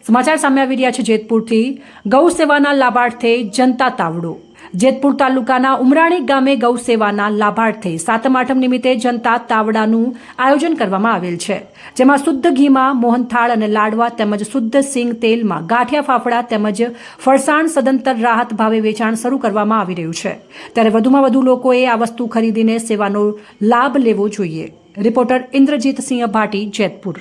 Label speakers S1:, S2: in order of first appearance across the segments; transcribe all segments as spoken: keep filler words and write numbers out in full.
S1: સમાચાર સામે આવી રહ્યા છે જેતપુરથી ગૌ સેવાના લાભાર્થે જનતા તાવડો। જેતપુર તાલુકાના ઉમરાણી ગામે ગૌ સેવાના લાભાર્થે સાતમ આઠમ નિમિત્તે જનતા તાવડાનું આયોજન કરવામાં આવેલ છે, જેમાં શુદ્ધ ઘીમાં મોહનથાળ અને લાડવા તેમજ શુદ્ધ સિંગ તેલમાં ગાંઠિયા ફાફડા તેમજ ફરસાણ સદંતર રાહત ભાવે વેચાણ શરૂ કરવામાં આવી રહ્યું છે, ત્યારે વધુમાં વધુ લોકોએ આ વસ્તુ ખરીદીને સેવાનો લાભ લેવો જોઈએ। રિપોર્ટર ઇન્દ્રજીતસિંહ ભાટી, જેતપુર।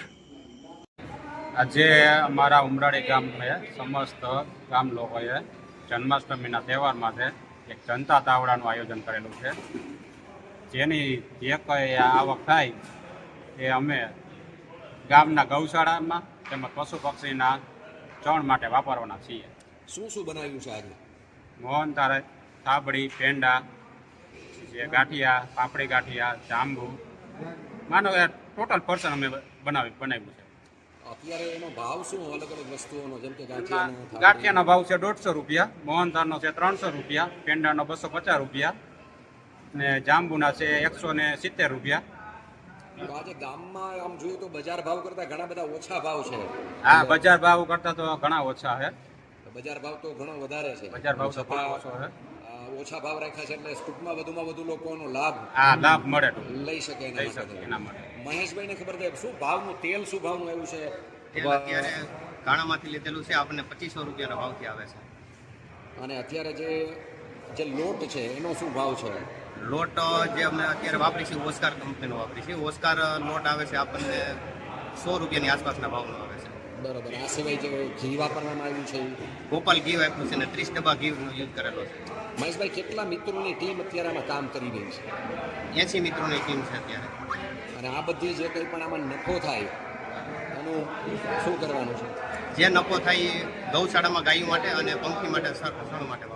S2: આજે અમારા ઉમરાળી ગામ में समस्त ગામ લોકોએ જન્માષ્ટમીના તહેવાર માટે એક જનતા તાવડાનું આયોજન કરેલું છે, જેની જે કંઈ આવક થાય એ અમે ગામના ગૌશાળામાં તેમજ પશુ પક્ષીના ચણ માટે વાપરવાના છીએ।
S3: શું શું બનાવ્યું છે આજે?
S2: મોહનથાળ, થાબડી, પેંડા, જે ગાંઠિયા, પાપડી ગાંઠિયા, જાંબુ, માનો કે ટોટલ પર્સન અમે બનાવી બનાવ્યું છે।
S3: અત્યારે એનો ભાવ શું અલગ અલગ વસ્તુઓનો, જેમ કે ગાંઠિયાનો
S2: ગાંઠિયાનો ભાવ છે દોઢસો રૂપિયા, મોહનથાળનો છે ત્રણસો રૂપિયા, પેંડાનો બસો પચાસ રૂપિયા ને જાંબુના છે એકસો ને સિત્તેર રૂપિયા।
S3: તો આજે ગામમાં આમ જોઈએ તો બજાર ભાવ કરતાં ઘણા બધા ઓછા ભાવ છે।
S2: હા, બજાર ભાવ કરતાં તો ઘણા ઓછા છે।
S3: બજાર ભાવ તો ઘણો વધારે છે,
S2: બજાર ભાવ તો ઘણો ઓછો છે,
S3: ઓછા ભાવ રાખ્યા છે, એટલે ટૂંકમાં વધુમાં વધુ લોકોનો લાભ
S2: હા લાભ મળે
S3: લઈ શકે
S2: લઈ શકે એના માટે।
S3: મહેશભાઈને ખબર છે શું ભાવનું તેલ શું ભાવનું આવ્યું છે?
S4: તેલ અત્યારે ગાણામાંથી લીધેલું છે, આપણને પચીસો રૂપિયાના ભાવથી આવે છે।
S3: અને અત્યારે જે જે લોટ છે એનો શું ભાવ છે?
S4: લોટ જે અમે અત્યારે વાપરીશું ઓસ્કાર કંપનીનો વાપરીશું। ઓસ્કાર લોટ આવે છે આપણને સો રૂપિયાની આસપાસના ભાવનો આવે છે।
S3: બરાબર। આ સિવાય જે ઘી વાપરવામાં આવ્યું છે,
S4: ગોપાલ ઘી વાપર્યું છે ને ત્રીસ ડબ્બા ઘીનો યુઝ કરેલો છે।
S3: મહેશભાઈ કેટલા મિત્રોની ટીમ અત્યારે આમાં કામ કરી રહી છે?
S4: એસી મિત્રોની ટીમ છે અત્યારે।
S3: અને આ બધી જે કંઈ પણ આમાં નફો થાય એનું શું કરવાનું છે?
S4: જે નફો થાય એ ગૌશાળામાં ગાયો માટે અને પંખી માટે સર માટે